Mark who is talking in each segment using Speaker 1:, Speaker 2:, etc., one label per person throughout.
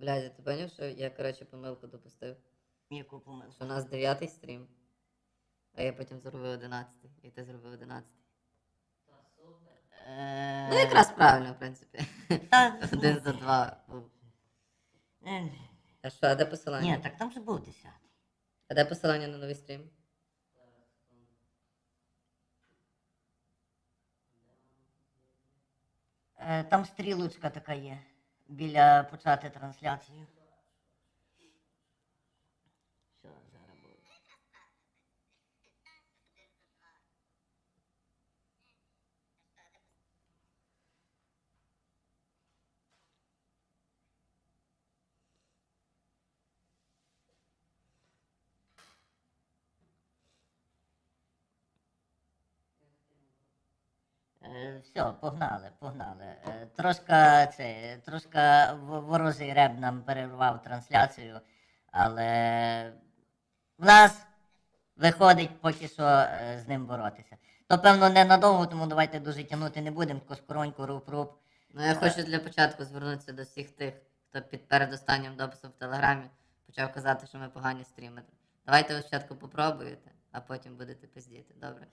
Speaker 1: Блядь, ти поняв, що я, коротше, помилку допустив?
Speaker 2: Яку помилку?
Speaker 1: Що у нас 9-й стрім, а я потім зробив 11-й, і ти зробив 11-й. Ну, якраз правильно, в принципі.
Speaker 2: Та,
Speaker 1: Один за два. А що, а де посилання?
Speaker 2: Ні, так там же був 10-й.
Speaker 1: А де посилання на новий стрім?
Speaker 2: Там стрілочка така є, біля почати трансляцію. Що зараз буде? Все, погнали. Трошка ворожий реб нам перервав трансляцію, але в нас виходить поки що з ним боротися. То, певно, ненадовго, тому давайте дуже тягнути не будемо, коскороньку, руп-руп.
Speaker 1: Ну, я хочу для початку звернутися до всіх тих, хто під передостаннім дописом в Телеграмі почав казати, що ми погані стрімери. Давайте ви спочатку попробуєте, а потім будете пиздіти, добре?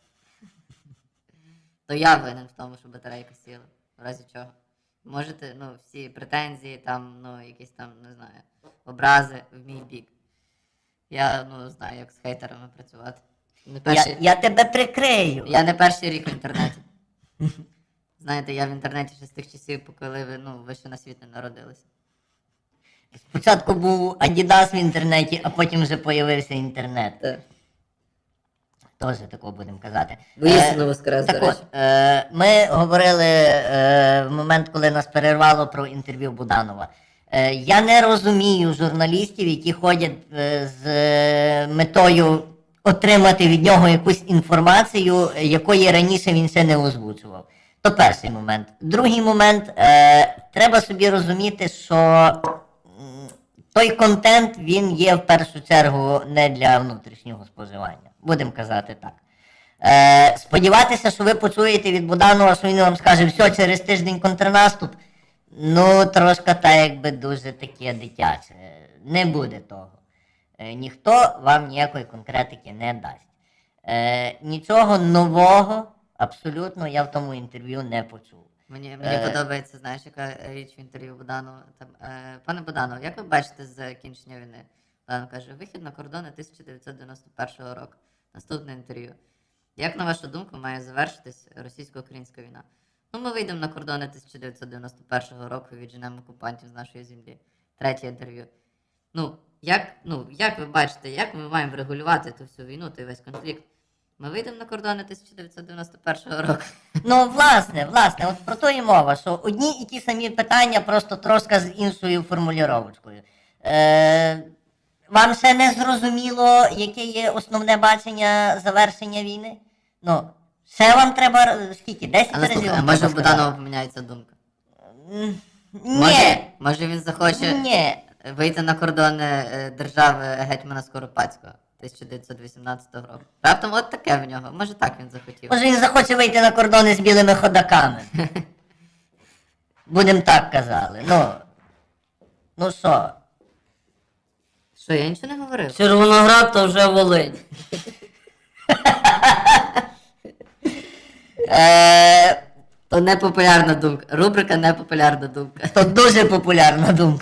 Speaker 1: То я винен в тому, що батарейка сіла, в разі чого. Можете, ну, всі претензії, там, ну, якісь там, не знаю, образи в мій бік. Я, ну, знаю, як з хейтерами працювати.
Speaker 2: Я тебе прикрию.
Speaker 1: Я не перший рік в інтернеті. Знаєте, я в інтернеті ще з тих часів, коли ви, ну, ви ще на світ не народилися.
Speaker 2: Спочатку був Adidas в інтернеті, а потім вже появився інтернет.
Speaker 1: Так.
Speaker 2: Теж такого будемо казати.
Speaker 1: Воістину воскрес, до
Speaker 2: Так
Speaker 1: речі.
Speaker 2: от, ми говорили в момент, коли нас перервало про інтерв'ю Буданова. Я не розумію журналістів, які ходять з метою отримати від нього якусь інформацію, якої раніше він ще не озвучував. То перший момент. Другий момент, треба собі розуміти, що той контент, він є в першу чергу не для внутрішнього споживання. Будемо казати так. Сподіватися, що ви почуєте від Буданова, що він вам скаже, все, через тиждень контрнаступ, ну, трошки так, якби дуже таке дитяче. Не буде того. Ніхто вам ніякої конкретики не дасть. Нічого нового, абсолютно, я в тому інтерв'ю не почув.
Speaker 1: Мені подобається, знаєш, яка річ в інтерв'ю Буданова. Там, пане Буданов, як ви бачите закінчення війни? Буданов каже, вихід на кордони 1991 року. Наступне інтерв'ю. Як, на вашу думку, має завершитись російсько-українська війна? Ну, ми вийдемо на кордони 1991 року і відженемо окупантів з нашої землі. Третє інтерв'ю. Ну, як ви бачите, як ми маємо регулювати ту всю війну, той весь конфлікт? Ми вийдемо на кордони 1991 року.
Speaker 2: Ну, власне, от про то і мова, що одні і ті самі питання, просто трошки з іншою формулюровочкою. Вам ще не зрозуміло, яке є основне бачення завершення війни? Ну, ще вам треба, скільки, 10
Speaker 1: Але
Speaker 2: разів?
Speaker 1: слухай, а
Speaker 2: вам
Speaker 1: може
Speaker 2: треба
Speaker 1: в Буданова
Speaker 2: сказати?
Speaker 1: поміняється думка?
Speaker 2: Ні,
Speaker 1: Може він захоче
Speaker 2: ні.
Speaker 1: вийти на кордони держави гетьмана Скоропадського 1918 року. Раптом от таке в нього. Може так він захотів.
Speaker 2: Може він захоче вийти на кордони з білими ходаками. Будем так казали. Ну що?
Speaker 1: Що, я нічого не говорив?
Speaker 2: Червоноград то вже Волинь.
Speaker 1: То непопулярна думка. Рубрика непопулярна думка.
Speaker 2: То дуже популярна думка.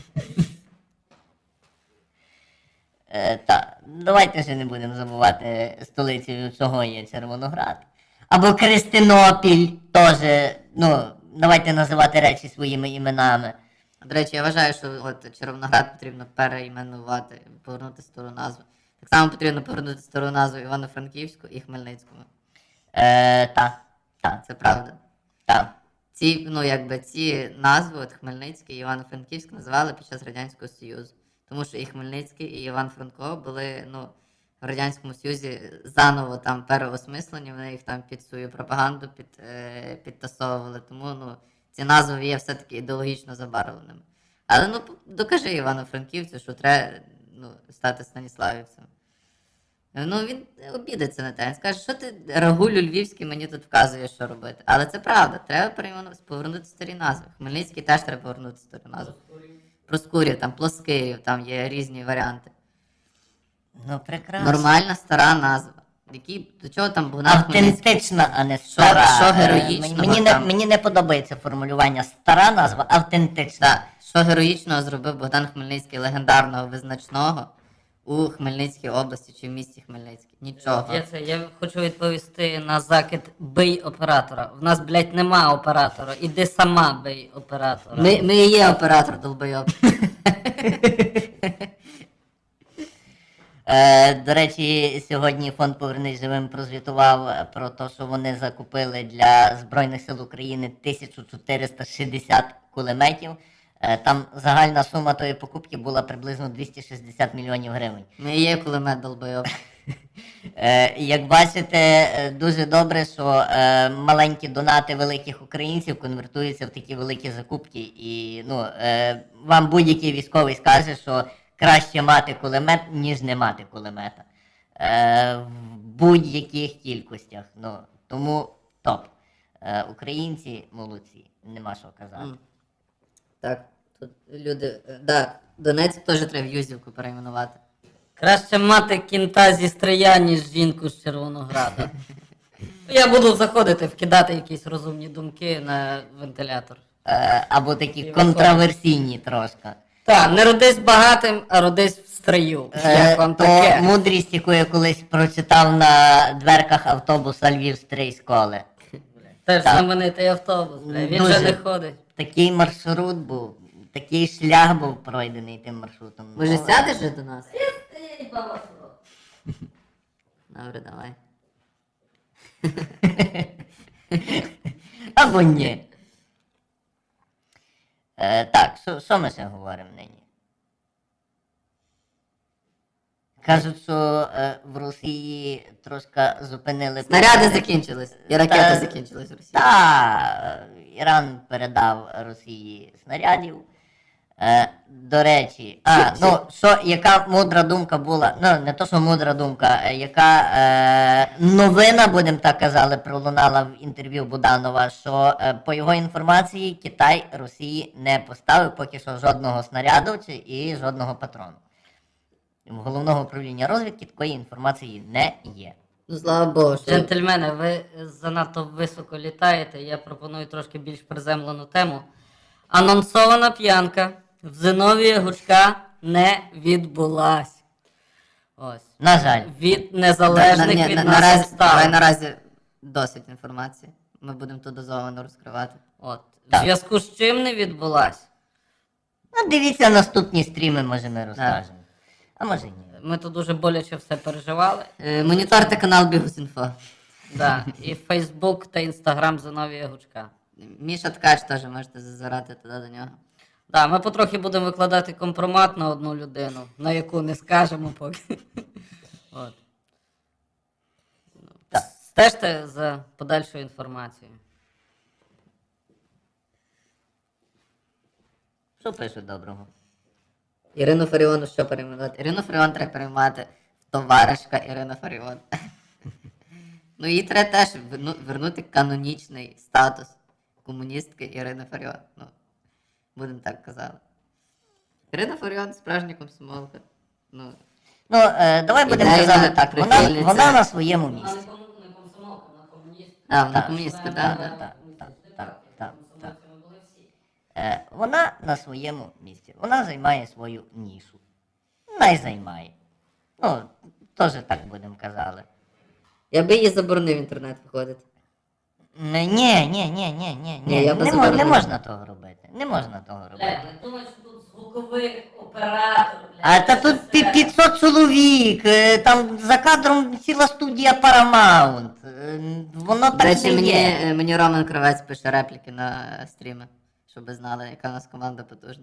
Speaker 2: Так, давайте ще не будемо забувати столицею, чого є Червоноград. Або Крестинопіль теж, ну, давайте називати речі своїми іменами.
Speaker 1: До речі, я вважаю, що от Червоноград потрібно переіменувати, повернути стару назву. Так само потрібно повернути стару назву Івано-Франківську і Хмельницькому.
Speaker 2: Так.
Speaker 1: Це правда.
Speaker 2: Так.
Speaker 1: Ці назви, от Хмельницький і Івано-Франківськ, називали під час Радянського Союзу. Тому що і Хмельницький, і Іван Франко були, в Радянському Союзі заново там переосмислені, вони їх там під свою пропаганду підтасовували. Тому, ці назви є все-таки ідеологічно забарвленими. Але, докажи Івано-Франківцю, що треба, стати Станіславівцем. Він обідеться на те. Він скаже, що ти, Рагулю Львівський, мені тут вказуєш, що робити. Але це правда, треба повернути старі назви. Хмельницький теж треба повернути стару назву. Проскурів, там Плоскирів, там є різні варіанти.
Speaker 2: Ну, прекрасно.
Speaker 1: Нормальна стара назва. До чого там Богдан Хмельницький?
Speaker 2: Автентична, а не стара.
Speaker 1: що
Speaker 2: Е,
Speaker 1: героїчного
Speaker 2: мені,
Speaker 1: там?
Speaker 2: мені не подобається формулювання стара назва, автентична.
Speaker 1: Так, що героїчного зробив Богдан Хмельницький, легендарного, визначного у Хмельницькій області чи в місті Хмельницький? Нічого.
Speaker 3: Я хочу відповісти на закид бий оператора. В нас, блядь, нема оператора. Іди сама бий оператора.
Speaker 1: Ми і є оператор долбойоб.
Speaker 2: До речі, сьогодні фонд «Повернись живим» прозвітував про те, що вони закупили для Збройних сил України 1460 кулеметів. Там загальна сума тої покупки була приблизно 260 мільйонів гривень.
Speaker 1: Ми і є кулемет долбойоб.
Speaker 2: Як бачите, дуже добре, що маленькі донати великих українців конвертуються в такі великі закупки. І вам будь-який військовий скаже, що краще мати кулемет, ніж не мати кулемета. В будь-яких кількостях. Тому топ. Українці молодці, нема що казати.
Speaker 1: Так, тут люди. Да, Донецьк теж треба в Юзівку перейменувати.
Speaker 3: Краще мати кінта зі Стрия, ніж жінку з Червонограда. Я буду заходити, вкидати якісь розумні думки на вентилятор.
Speaker 2: Або такі контраверсійні трошки.
Speaker 3: Так, не родись багатим, а родись в стрию. Як вам
Speaker 2: То
Speaker 3: таке?
Speaker 2: мудрість, яку я колись прочитав на дверках автобуса Львів-Стрийськоли.
Speaker 3: Теж
Speaker 2: так.
Speaker 3: знаменитий автобус, бля. Він
Speaker 2: Дуже.
Speaker 3: вже не ходить.
Speaker 2: Такий маршрут був, такий шлях був пройдений тим маршрутом.
Speaker 1: Може
Speaker 2: Ну,
Speaker 1: сядеш же до нас? Добре, давай.
Speaker 2: Або ні. Так, що ми ще говоримо нині? Кажуть, що в Росії трошки зупинили...
Speaker 1: Снаряди закінчились. І ракети
Speaker 2: Та-
Speaker 1: закінчились в Росії.
Speaker 2: Так, Іран передав Росії снарядів. До речі, яка мудра думка була, не то, що мудра думка, яка новина, будемо так казали, пролунала в інтерв'ю Буданова, що по його інформації Китай Росії не поставив поки що жодного снаряду і жодного патрону. В головного управління розвідки такої інформації не є.
Speaker 1: Ну, слава Богу, що...
Speaker 3: Джентльмени, ви занадто високо літаєте, я пропоную трошки більш приземлену тему. Анонсована п'янка в Зиновія Гучка не відбулась. Ось.
Speaker 2: На жаль.
Speaker 3: Від незалежних від нас
Speaker 1: Давай
Speaker 3: обставин.
Speaker 1: наразі досить інформації. Ми будемо тут дозовано розкривати.
Speaker 3: От. В
Speaker 2: Так.
Speaker 3: зв'язку з чим не відбулась?
Speaker 2: Дивіться наступні стріми, може ми розкажемо. А може ні.
Speaker 3: Ми тут дуже боляче все переживали.
Speaker 1: Моніторте канал Бігус.Інфо.
Speaker 3: Да. І Фейсбук та Інстаграм Зиновія Гучка.
Speaker 1: Міша Ткач теж можете зазирати туди до нього.
Speaker 3: Да, ми потрохи будемо викладати компромат на одну людину, на яку не скажемо поки. От.
Speaker 2: Так.
Speaker 3: Стежте за подальшою інформацією.
Speaker 2: Що пишуть доброго?
Speaker 1: Ірину Фаріону що перейменувати? Ірину Фаріон треба перейменувати в товаришка Ірина Фаріон. Ну їй треба теж вернути канонічний статус комуністки Ірини Фаріон. Ну, будемо так казати. Ірина Фаріон справжня комсомолка. Ну,
Speaker 2: Давай будемо
Speaker 1: Ідейна
Speaker 2: казати так.
Speaker 1: прихильниця.
Speaker 2: Вона на своєму місці.
Speaker 3: не комсомолка, вона комуніст.
Speaker 1: вона комуністка, так.
Speaker 2: Вона на своєму місці. Вона займає свою нішу. Най займає. Теж так будемо казали.
Speaker 1: Я би її заборонив в інтернет виходити.
Speaker 2: Ні.
Speaker 1: Ні, я би
Speaker 2: Не
Speaker 1: заборонив.
Speaker 2: можна того робити. Не можна того робити.
Speaker 3: Не думаю, що тут звуковий оператор.
Speaker 2: А та тут 500 чоловік, там за кадром ціла студія Paramount. Воно
Speaker 1: До
Speaker 2: так
Speaker 1: речі,
Speaker 2: не є.
Speaker 1: мені Роман Кравець пише репліки на стріми, щоб ви знали, яка у нас команда потужна.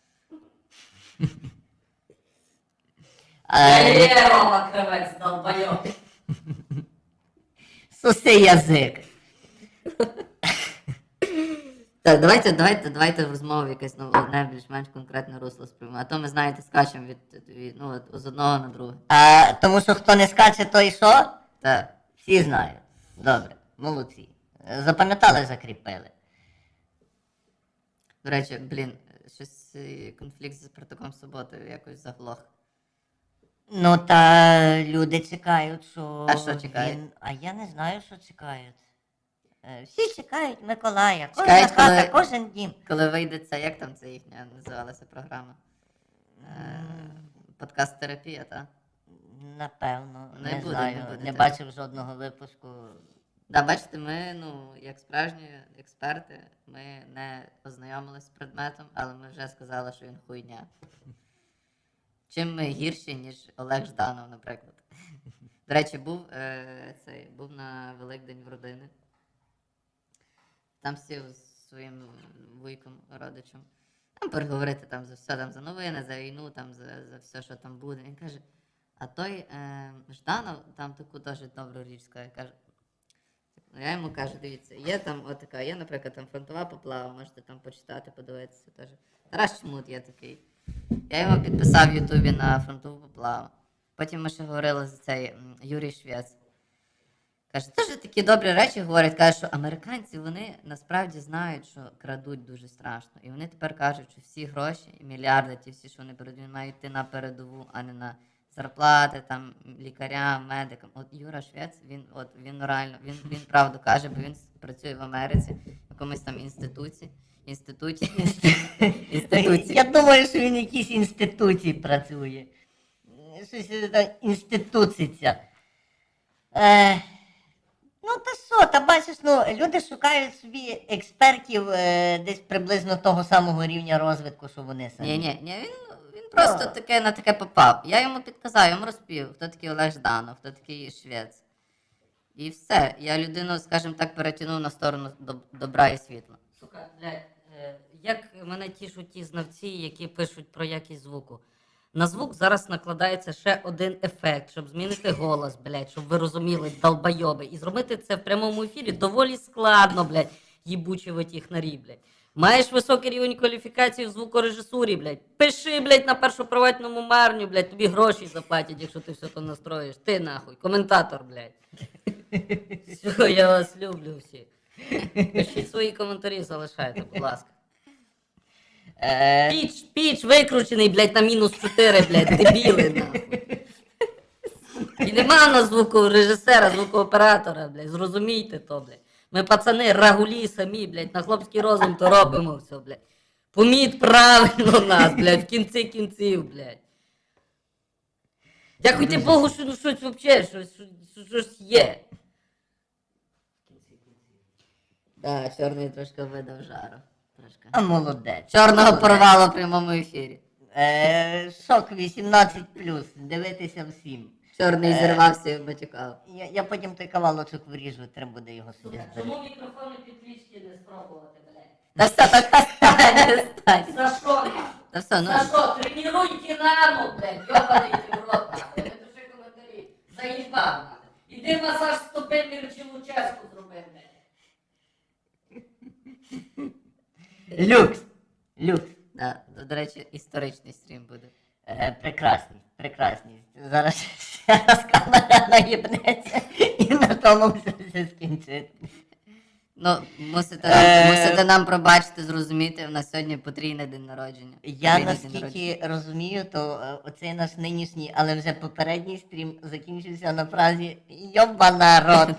Speaker 3: Є Рома Кривець, долбайок.
Speaker 2: Суси язик.
Speaker 1: Так, давайте в розмову якесь одне більш-менш конкретне русло сприймемо. А то ми, знаєте, скачемо з одного на друге.
Speaker 2: Тому що хто не скаче, той що?
Speaker 1: Так.
Speaker 2: Всі знають. Добре, молодці. Запам'ятали, закріпили.
Speaker 1: До речі, щось конфлікт зі Спартаком Суботою якось заглох.
Speaker 2: Ну та люди чекають, що.
Speaker 1: А що чекають?
Speaker 2: А я не знаю, що чекають. Всі чекають Миколая. Кожна
Speaker 1: Чекають,
Speaker 2: хата,
Speaker 1: коли-
Speaker 2: кожен дім.
Speaker 1: Коли вийде це, як там це їхня називалася програма? Подкаст-терапія, так?
Speaker 2: Напевно,
Speaker 1: Не
Speaker 2: не
Speaker 1: буде,
Speaker 2: знаю.
Speaker 1: не буде
Speaker 2: Не
Speaker 1: так.
Speaker 2: бачив жодного випуску.
Speaker 1: Да, бачите, ми, як справжні експерти, ми не ознайомилися з предметом, але ми вже сказали, що він хуйня. Чим ми гірші, ніж Олег Жданов, наприклад. До речі, був на Великдень в родини. Там сів з своїм вуйком, родичем. Там переговорити там за все, там за новини, за війну, там за все, що там буде. Він каже, а той Жданов там таку теж добру річ сказав. Каже, я йому кажу, дивіться, є там отака, є, наприклад, там фронтова поплава, можете там почитати, подивитися теж. Тарас Чмут є такий. Я йому підписав в Ютубі на фронтову поплаву. Потім ми ще говорили за цей Юрій Швець. Каже, теж такі добрі речі говорять, каже, що американці, вони насправді знають, що крадуть дуже страшно. І вони тепер кажуть, що всі гроші, мільярди, ті всі, що вони беруть, вони мають йти на передову, а не на зарплати, там, лікарям, медикам. От Юра Швець, він реально, він правду каже, бо він працює в Америці, в якомусь там інституті.
Speaker 2: Я думаю, що він в якійсь інституції працює. Щось там інституциться. Ну та що, та бачиш, люди шукають собі експертів десь приблизно того самого рівня розвитку, що вони самі.
Speaker 1: Ні, він просто на таке попав. Я йому підказав, я йому розповів, хто такий Олег Жданов, хто такий Швець. І все. Я людину, скажімо так, перетягнув на сторону добра і світла.
Speaker 3: Сука, блядь, як мене тішуть ті знавці, які пишуть про якість звуку. На звук зараз накладається ще один ефект, щоб змінити голос, блядь, щоб ви розуміли, долбойоби. І зробити це в прямому ефірі доволі складно, блядь, їбучі ви технарі, блядь. Маєш високий рівень кваліфікації в звукорежисурі, блядь. Пиши, блядь, на першоприватному марню, блядь, тобі гроші заплатять, якщо ти все то настроїш. Ти нахуй, коментатор, блядь. Все, я вас люблю всі. Пишіть свої коментарі, залишайте, будь ласка. Піч викручений, блядь, на -4, блядь, дебіли, нахуй. І нема на звукорежисера, звукооператора, блядь, зрозумійте то, блядь. Ми пацани рагулі самі, блядь, на хлопський розум то робимо все, блядь. Поміть правильно нас, блядь, в кінці кінців, блядь. Дякуйте Богу, що ну щось взагалі, щось є.
Speaker 1: Так, чорний трошки видав жару. Трошки.
Speaker 2: А молодець.
Speaker 1: Чорного порвало в прямому ефірі.
Speaker 2: Шок 18+, дивитися всім.
Speaker 1: Чорний зірвався і матюкав.
Speaker 2: Я потім той кавалочок виріжу, треба буде його собі зберегти.
Speaker 3: Чому мікрофони підключки не спробувати, блядь?
Speaker 1: Та все, так,
Speaker 3: За що?
Speaker 1: Та все, ну.
Speaker 3: За що? Тренуй Динамо, блядь, йобаний ти в рот, нахуй. Не пиши коментарі. Заїбав, нахуй. Іди масаж стопи Мірчилу Ческу зроби, блядь.
Speaker 2: Люкс! Люкс!
Speaker 1: Да, до речі, історичний стрім буде.
Speaker 2: Прекрасний, прекрасний. Зараз ще раз камера наїбнеться і на тому все скінчить.
Speaker 1: Ну, мусите нам пробачити, зрозуміти, в нас сьогодні потрійний день народження.
Speaker 2: Я
Speaker 1: Потрійний день народження.
Speaker 2: наскільки розумію, то оцей наш нинішній, але вже попередній стрім закінчився на фразі «Йоба народ».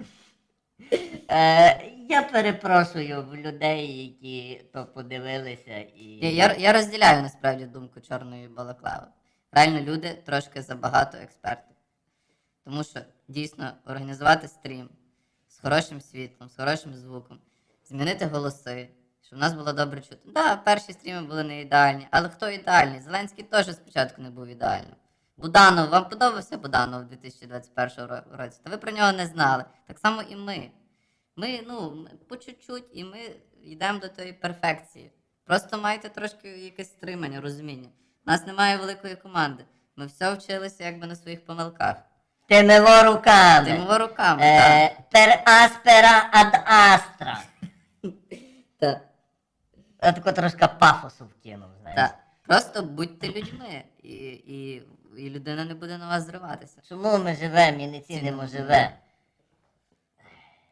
Speaker 2: Я перепрошую в людей, які то подивилися і.
Speaker 1: Я розділяю насправді думку чорної балаклави. Реально люди трошки забагато експертів. Тому що дійсно організувати стрім з хорошим світлом, з хорошим звуком, змінити голоси, щоб в нас було добре чути. Так, да, перші стріми були не ідеальні, але хто ідеальний? Зеленський теж спочатку не був ідеальним. Буданов, вам подобався Буданов у 2021 році? Та ви про нього не знали. Так само і ми. Ми по чуть-чуть, і ми йдемо до тої перфекції. Просто майте трошки якесь стримання, розуміння. У нас немає великої команди. Ми все вчилися якби на своїх помилках.
Speaker 2: Тимиво руками.
Speaker 1: Тимово руками, так.
Speaker 2: Per aspera ad astra.
Speaker 1: Так.
Speaker 2: Я тако трошки пафосу вкинув, знаєш.
Speaker 1: Так. Просто будьте людьми, і людина не буде на вас зриватися.
Speaker 2: Чому ми живемо і не цінимо живе?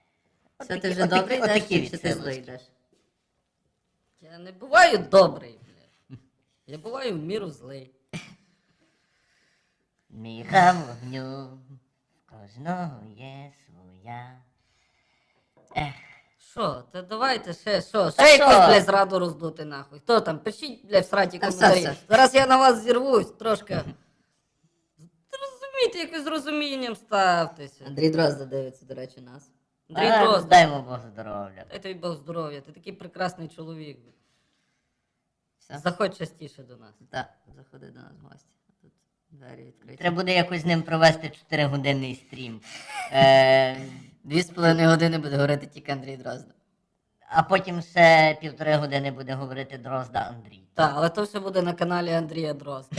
Speaker 1: Все, ти вже добре йдеш, чи ти злий йдеш?
Speaker 3: Я не буваю добрий. Я буваю в міру злий.
Speaker 2: Міха вогню, в кожного є своя.
Speaker 3: Що, та давайте ще, що
Speaker 2: Та що?
Speaker 3: якусь, блядь, зраду роздути нахуй. Хто там? Пишіть, блядь, в сраті
Speaker 1: Та все,
Speaker 3: коментарі.
Speaker 1: все.
Speaker 3: Зараз я на вас зірвусь трошки. Розумійте, якось з розумінням ставтеся.
Speaker 1: Андрій Дрозда дивиться, до речі, нас.
Speaker 3: Андрій Дрозд,
Speaker 2: Дай Бог здоров'я.
Speaker 3: дай тобі Бог здоров'я, ти такий прекрасний чоловік.
Speaker 1: Все.
Speaker 3: Заходь частіше до нас.
Speaker 1: Так, заходи до нас в гості. Тут двері відкриті.
Speaker 2: Треба буде якось з ним провести 4-годинний стрім.
Speaker 1: 2,5 години буде говорити тільки Андрій Дрозда.
Speaker 2: А потім ще 1,5 години буде говорити Дрозда Андрій.
Speaker 3: Так, але то все буде на каналі Андрія Дрозда.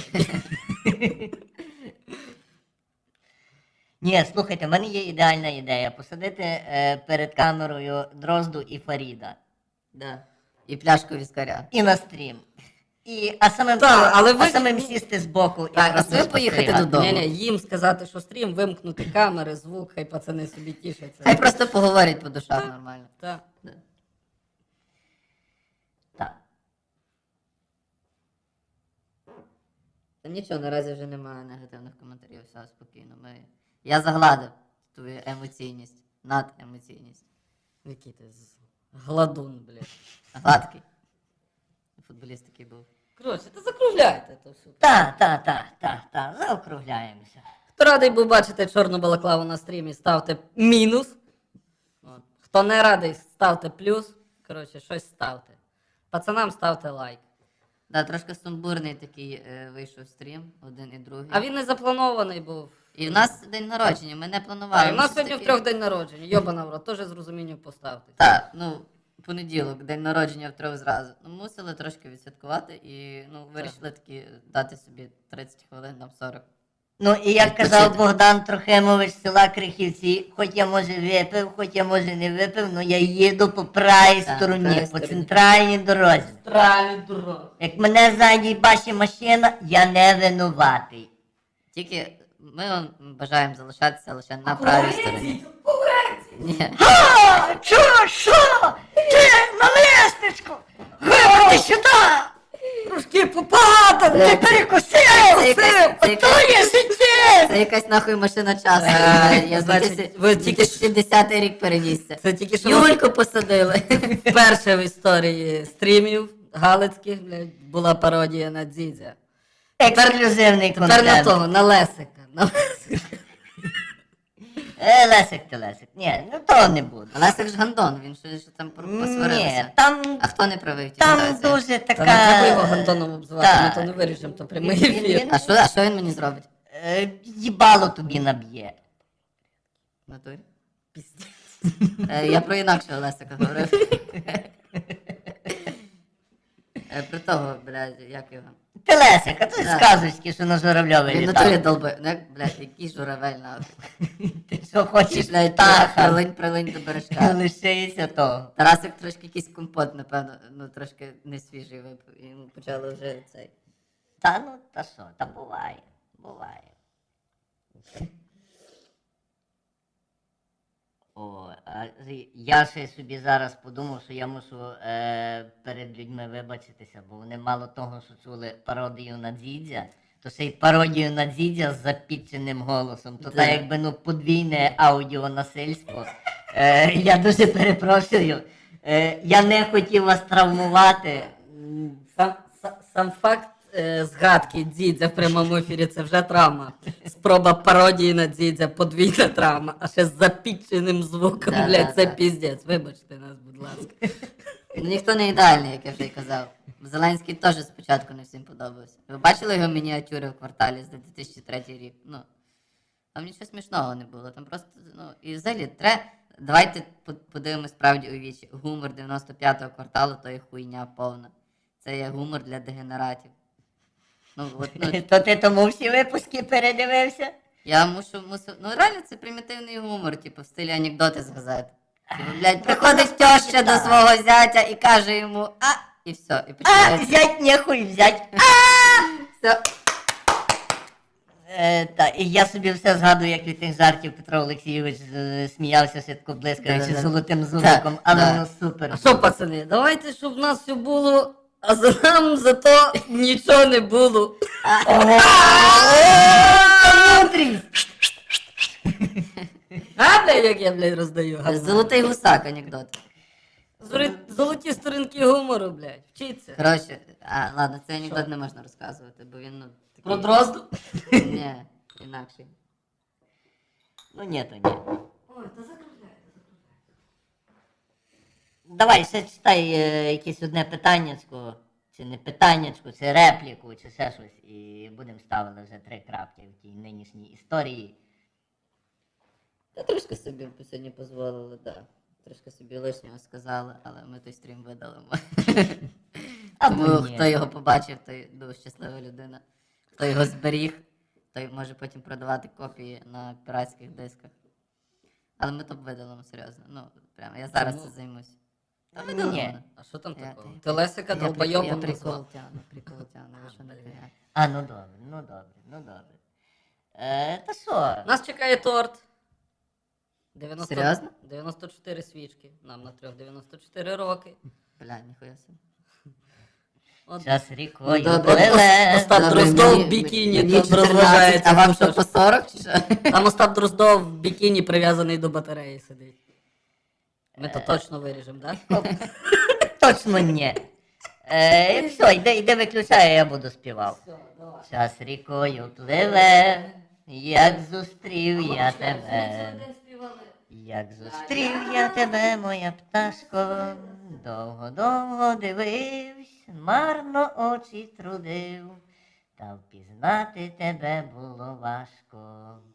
Speaker 2: Ні, слухайте, в мене є ідеальна ідея. Посадити перед камерою Дрозду і Фаріда.
Speaker 1: Да. І пляшку віскаря.
Speaker 2: І на стрім. А самим,
Speaker 3: Так, але ви-
Speaker 2: а самим сісти збоку і
Speaker 1: Так, а
Speaker 2: просто
Speaker 1: ви поїхати
Speaker 2: спостерігати.
Speaker 1: додому.
Speaker 3: Ні-ні, їм сказати, що стрім, вимкнути камери, звук, хай пацани собі тішаться.
Speaker 1: Хай просто поговорять по душах нормально.
Speaker 3: Так.
Speaker 1: Да.
Speaker 2: Так.
Speaker 1: Та нічого, наразі вже немає негативних коментарів, все спокійно. Я загладив твою емоційність, надемоційність.
Speaker 3: Який ти гладун, блядь.
Speaker 1: Гладкий. Футболіст такий був.
Speaker 3: Коротше, та закругляйте то все.
Speaker 2: Так, заокругляємося.
Speaker 3: Хто радий був бачити чорну балаклаву на стрімі, ставте мінус. От. Хто не радий, ставте плюс. Коротше, щось ставте. Пацанам ставте лайк.
Speaker 1: Да, трошки сумбурний такий вийшов стрім, один і другий.
Speaker 3: А він не запланований був.
Speaker 1: І в нас день народження, ми не планували.
Speaker 3: А, у нас
Speaker 1: щось
Speaker 3: сьогодні в
Speaker 1: таке.
Speaker 3: 3 день народження. Йобана в рот, теж з розумінням поставте.
Speaker 1: Так, ну, понеділок, день народження в 3 зразу. Ну, мусили трошки відсвяткувати і вирішили таки дати собі 30 хвилин, там 40.
Speaker 2: Ну і як
Speaker 1: Відпочити.
Speaker 2: казав Богдан Трохимович з села Крихівці, хоч я може випив, хоч я може не випив, але я їду по правій
Speaker 1: Так,
Speaker 2: стороні,
Speaker 1: правій
Speaker 2: по
Speaker 1: стороні.
Speaker 2: центральній дорозі.
Speaker 3: Тралі дурак.
Speaker 2: Як мене ззаді бачить машина, я не винуватий.
Speaker 1: Тільки ми вам бажаємо залишатися лише на правій стороні. Ні.
Speaker 2: А, що? Ти на лестничку! Виходи сюди!
Speaker 3: Трошки попадав!
Speaker 2: Ти перекусив!
Speaker 1: Це
Speaker 2: Ото є життя!
Speaker 1: Це якась нахуй машина часу. Я з
Speaker 3: Значить, ви тільки
Speaker 1: 2010 рік перенісся.
Speaker 3: Це тільки що
Speaker 1: Юльку посадили.
Speaker 3: вперше в історії стрімів галицьких, блядь, була пародія на Дзідзя.
Speaker 2: Ексклюзивний
Speaker 3: Тепер на
Speaker 2: контент.
Speaker 3: того, на Лесика.
Speaker 2: Лесик ти Лесик. Ні, ну того не буде.
Speaker 1: Лесик ж гандон, він ще там
Speaker 2: Ні,
Speaker 1: посварився.
Speaker 2: там,
Speaker 1: А хто не правий в тій
Speaker 2: там
Speaker 1: ситуації?
Speaker 2: дуже
Speaker 3: Та
Speaker 2: така...
Speaker 3: не треба його гандоном обзивати,
Speaker 2: Так.
Speaker 3: ми то не виріжемо, то прямий
Speaker 2: Він-
Speaker 3: ефір.
Speaker 2: він-
Speaker 1: А що він мені зробить?
Speaker 2: Їбало тобі наб'є.
Speaker 1: В натурі? Я про інакшого Лесика говорив. Про того, блядь, як його.
Speaker 2: Ти Лесик, а ти
Speaker 1: Так.
Speaker 2: сказочки, що на Журавльові
Speaker 1: Він в натурі
Speaker 2: літав.
Speaker 1: долби. Ну, як, блядь, який журавель нахуй.
Speaker 2: Ти що хочеш,
Speaker 1: Блядь,
Speaker 2: птаха?
Speaker 1: прилинь до бережка.
Speaker 2: Лишися того.
Speaker 1: Тарасик трошки якийсь компот, напевно, ну трошки не свіжий випив. І йому почали вже цей.
Speaker 2: Та ну, та що, та буває. О, я ще собі зараз подумав, що я мушу перед людьми вибачитися, бо вони мало того, що чули пародію на Дзідзя, то ще й пародію на Дзідзя з запіченим голосом. То
Speaker 1: Да.
Speaker 2: так якби ну подвійне аудіонасильство. Я дуже перепрошую. Я не хотів вас травмувати.
Speaker 3: Сам факт згадки Дзідзя в прямому ефірі це вже травма. Спроба пародії на Дзідзя, подвійна травма, а ще з запіченим звуком,
Speaker 1: Да,
Speaker 3: блядь,
Speaker 1: да,
Speaker 3: це
Speaker 1: да.
Speaker 3: піздець. Вибачте нас, будь ласка.
Speaker 1: Ну ніхто не ідеальний, як я вже й казав. Зеленський теж спочатку не всім подобався. Ви бачили його мініатюри в кварталі за 2003 рік? Ну, там нічого смішного не було. Там просто, ну, і взагалі давайте подивимось справді у вічі. Гумор 95-го кварталу то є хуйня повна. Це є гумор для дегенератів. Ну, от, ну,
Speaker 2: То ти тому всі випуски передивився?
Speaker 1: я мусив. Ну реально це примітивний гумор, типу, в стилі анекдоти з газети. Типу, блядь, приходить теща до свого зятя і каже йому і все. І
Speaker 2: А,
Speaker 1: починається.
Speaker 2: взять нехуй взять.
Speaker 1: Все.
Speaker 2: Та, і я собі все згадую, як від тих жартів Петро Олексійович сміявся швидко блискаючи
Speaker 1: Да-да-да.
Speaker 2: золотим зубиком, але
Speaker 1: да.
Speaker 2: воно супер.
Speaker 3: А що, пацани, давайте, щоб в нас все було А за нам зато нічого не було. А, блядь, як я, блядь, роздаю. говно.
Speaker 1: Золотий гусак анекдот.
Speaker 3: Золоті сторінки гумору, блядь. Вчіться.
Speaker 1: Коротше, ладно, цей анекдот не можна розказувати, бо він, ну, такий...
Speaker 3: Про дрозду?
Speaker 1: Ні, інакший.
Speaker 2: Ну ні, то ні.
Speaker 3: Ой, та закругляй.
Speaker 2: Давай, ще читай якесь одне питаннячко, чи не питаннячко, чи репліку, чи ще щось, і будемо ставили вже 3 крапки в тій нинішній історії.
Speaker 1: Та трошки собі сьогодні дозволили, так. Да. Трошки собі лишнього сказали, але ми той стрім видалимо.
Speaker 2: Або
Speaker 1: Тому
Speaker 2: ні.
Speaker 1: хто його побачив, той дуже щаслива людина. Хто його зберіг, той може потім продавати копії на піратських дисках. Але ми то видалимо, серйозно. Ну, прямо, я зараз
Speaker 3: Чому?
Speaker 1: це займусь. Та
Speaker 2: Ні.
Speaker 1: видалимо.
Speaker 3: А що там
Speaker 1: Я-
Speaker 3: такого?
Speaker 1: я-
Speaker 3: Ти Лесика
Speaker 1: Я
Speaker 3: долбойобом
Speaker 1: прикол
Speaker 3: назвав?
Speaker 1: прикол тяну, ви що не фігня.
Speaker 2: А, ну добре, ну добре, ну добре. Та що?
Speaker 3: Нас чекає торт. 90...
Speaker 1: Серйозно?
Speaker 3: 94 свічки. Нам на 94 роки.
Speaker 1: Бля, ніхуя собі.
Speaker 3: От.
Speaker 2: Час рікою
Speaker 1: добре.
Speaker 2: пливе.
Speaker 3: Остап
Speaker 1: Добре,
Speaker 3: Дроздов в
Speaker 1: мені-
Speaker 3: бікіні
Speaker 1: мені
Speaker 3: тут
Speaker 1: 14,
Speaker 3: розважається.
Speaker 1: а вам
Speaker 3: Ну,
Speaker 1: що,
Speaker 3: що
Speaker 1: по
Speaker 3: ж.
Speaker 1: 40 чи що?
Speaker 3: Там Остап Дроздов в бікіні прив'язаний до батареї сидить. Ми то точно виріжемо, так?
Speaker 2: Точно ні. Все, йди виключай, я буду співав. Час рікою пливе, як зустрів я тебе. Як зустрів я тебе, моя пташко, довго-довго дивився, марно очі трудив, та впізнати тебе було важко.